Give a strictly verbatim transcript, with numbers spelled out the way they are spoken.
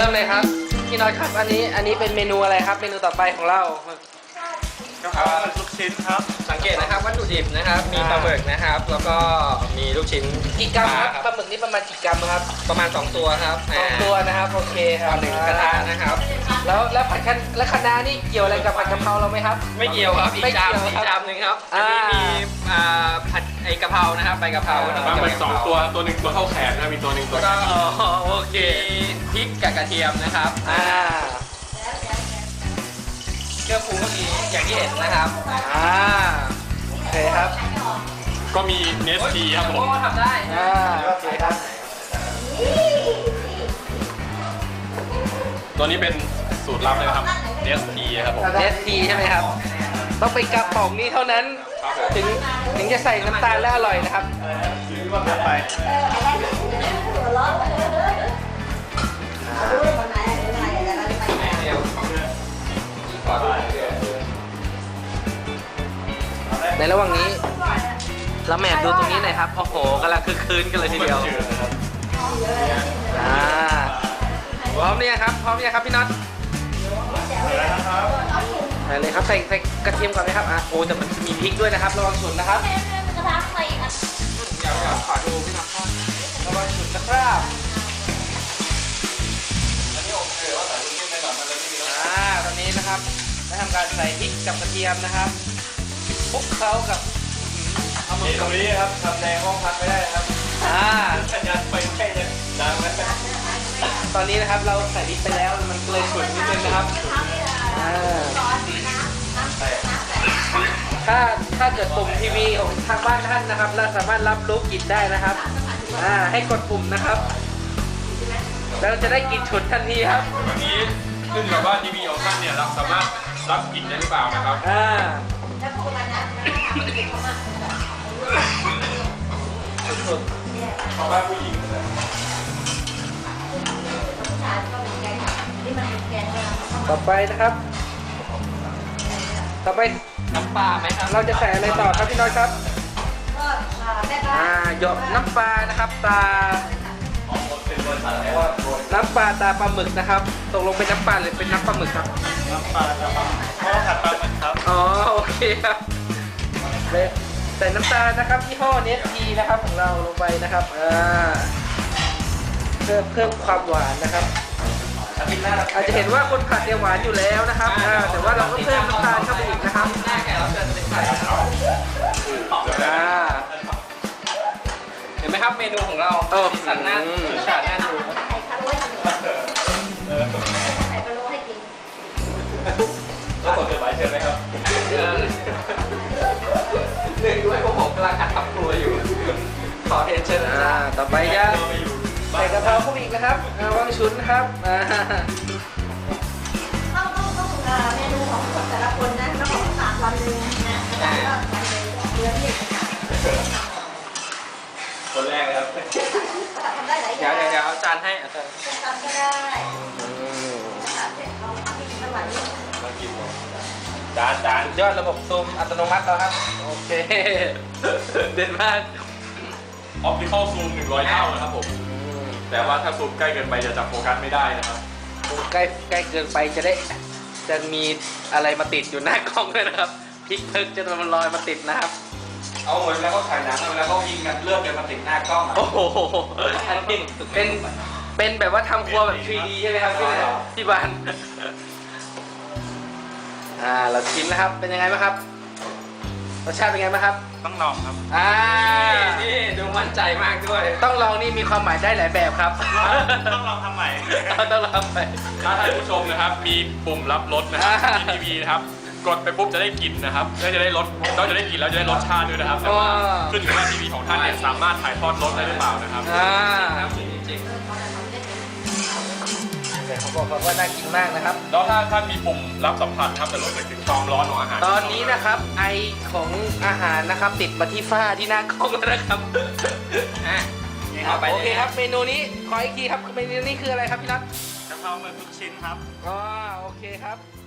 มเลยครับพี่น้อยครับอันนี้อันนี้เป็นเมนูอะไรครับเมนูต่อไปของเรากะเพราลูกชิ้นครับสังเกตนะครับวัตถุดิบนะครับมีปลาหมึกนะครับแล้วก็มีลูกชิ้นกี่กรัมครับปลาหมึกนี่ประมาณกี่กรัมครับประมาณสองตัวครับสองตัวนะครับโอเคครับหนึ่งกระทะนะครับแล้วแล้วผัดคะและคะน้านี่เกี่ยวอะไรกับผัดกะเพราเราไหมครับไม่เกี่ยวครับอีกจานอีกจานหนึ่งครับอันนี้มีผัดไอกะเพรานะครับใบกะเพราปลาหมึกสองตัวตัวหนึ่งตัวเท่าแขนนะมีตัวหนึ่งตัวก็โอเคพริกกับกระเทียมนะครับอ่าเครื่องปรุงก็มีอย่างที่เห็นนะครับอ่าโอเคครับก็มีเนสทีครับผมก็ทำได้อ่าโอเคครับตัวนี้เป็นสูตรลับเลยครับเนสทีครับผมเนสทีใช่ไหมครับต้องไปกระป๋องนี้เท่านั้นถึงถึงจะใส่น้ำตาลแล้วอร่อยนะครับไปในระหว่างนี้เราแหมดูตรงนี้หน่อยครับโอ้โหกำลังคึกคืนกันเลยทีเดียวอ่าพร้อมเนี่ยครับพร้อมเนี่ยครับพี่น็อตใส่เลยครับใส่ใส่กระเทียมก่อนไหมครับอ่ะโอ้แต่มันมีพริกด้วยนะครับระวังฉุนนะครับกระทะไฟอ่ะเดี๋ยวขอดูพี่น็อตระวังฉุนนะครับอันนี้โอเคว่าใส่ลูกชิ้นในหลังมันเลยไม่มีแล้วอ่าตอนนี้นะครับได้ทำการใส่พริกกับกระเทียมนะครับคลุกเคล้ากับเอามือตรงนี้ครับทำในห้องพักไม่ได้ครับอ่าสัญญาณไฟแค่จะดังนะตอนนี้นะครับเราใส่พริกไปแล้วมันเลยฉุนนิดนึงนะครับถ้าถ้าเกิดปุ่มทีวีของทางบ้านท่านนะครับเราสามารถรับรู้กลิ่นได้นะครับอ่าให้กดปุ่มนะครับเราจะได้กลิ่นฉุนทันทีครับวันนี้ขึ้นกับว่าทีวีของท่านเนี่ยเราสามารถรับกลิ่นได้หรือเปล่านะครับอ่าสุดๆของบ้านผู้หญิงต่อไปนะครับต่อไปน้ำปลาไหมครับเราจะใส่อะไรต่อครับพี่น้อยครับอ่าหยดน้ำปลานะครับปลาน้ำปลาตาปลาหมึกนะครับตกลงเป็นน้ำปลาหรือเป็นน้ำปลาหมึกครับน้ำปลาตาปลาเพราะผัดปลาหมึกครับอ๋อโอเคครับใส่น้ำตาลนะครับยี่ห้อเนสทีนะครับของเราลงไปนะครับอ่าเพิ่มเพิ่มความหวานนะครับอาจจะเห็นว่าคนผัดเนี่ยหวานอยู่แล้วนะครับแต่ว่าเราก็เพิ่มน้ำตาลเข้าไปอีกนะครับเห็นไหมครับเมนูของเราสันหน้าฉาดหน้าดูก็กดเกิดไว้เชิญไหมครับเนื่องด้วยพวกผมกำลังอัดทำครัวอยู่ขอเรียนเชิญนะต่อไปจะใส่กะเพราเข้าไปอีกนะครับวางชุนนะครับต้องต้องต้องเมนูของแต่ละคนนะต้องของสามวันเลยนะแล้วก็วันเลยเดือนที่คนแรกเลยครับทำได้หลายอย่างเดี๋ยวเดี๋ยวเอาจานให้อาจารย์ทำก็ได้เราทำที่วันนี้มากินจานจานยอดระบบซูมอัตโนมัติแล้วครับโอเคเด่นมากออปติคอลซูมหนึ่งร้อยเท่านะครับผมแต่ว่าถ้าซูมใกล้เกินไปจะจับโฟกัสไม่ได้นะครับใกล้ใกล้เกินไปจะได้จะมีอะไรมาติดอยู่หน้ากล้องด้วยนะครับพริกเพิกจะมันลอยมาติดนะครับเอาเหมือนแล้วก็ถ่ายหนังแล้วก็ยิงกันเลือกกันมาติดหน้ากล้องโอ้โหอันนี้เป็นเป็นแบบว่าทำครัวแบบ ทรี ดี ใช่ไหมครับที่ที่บ้านอ่าเราชิมนะครับเป็นยังไงบ้างครับรสชาติเป็นไงบ้างครับต้องลองครับอ่านี่ดูมั่นใจมากด้วยต้องลองนี่มีความหมายได้หลายแบบครับต้องลองทำใหม่ต้องลองไปถ้าท่านผู้ชมนะครับมีปุ่มรับรสนะครับที่ทีวีนะครับกดไปปุ๊บจะได้กลิ่นนะครับแล้วจะได้รสเราจะได้กลิ่นแล้วจะได้รสชาติด้วยนะครับแต่ว่าขึ้นอยู่ว่าทีวีของท่านเนี่ยสามารถถ่ายทอดรสได้หรือเปล่านะครับอ่าจริงเขาบอกว่าน่ากินมากนะครับแล้วถ้าท่านมีปุ่มรับสัมผัสครับจะรู้สึกถึงความร้อนของอาหารตอนนี้นะครับไอของอาหารนะครับติดมาที่ฝ้าที่หน้ากล้องแล้วนะครับโอเคครับเมนูนี้ขออีกทีครับเมนูนี้คืออะไรครับพี่นัทกะเพราหมึกทุกชิ้นครับอ๋อโอเคครับ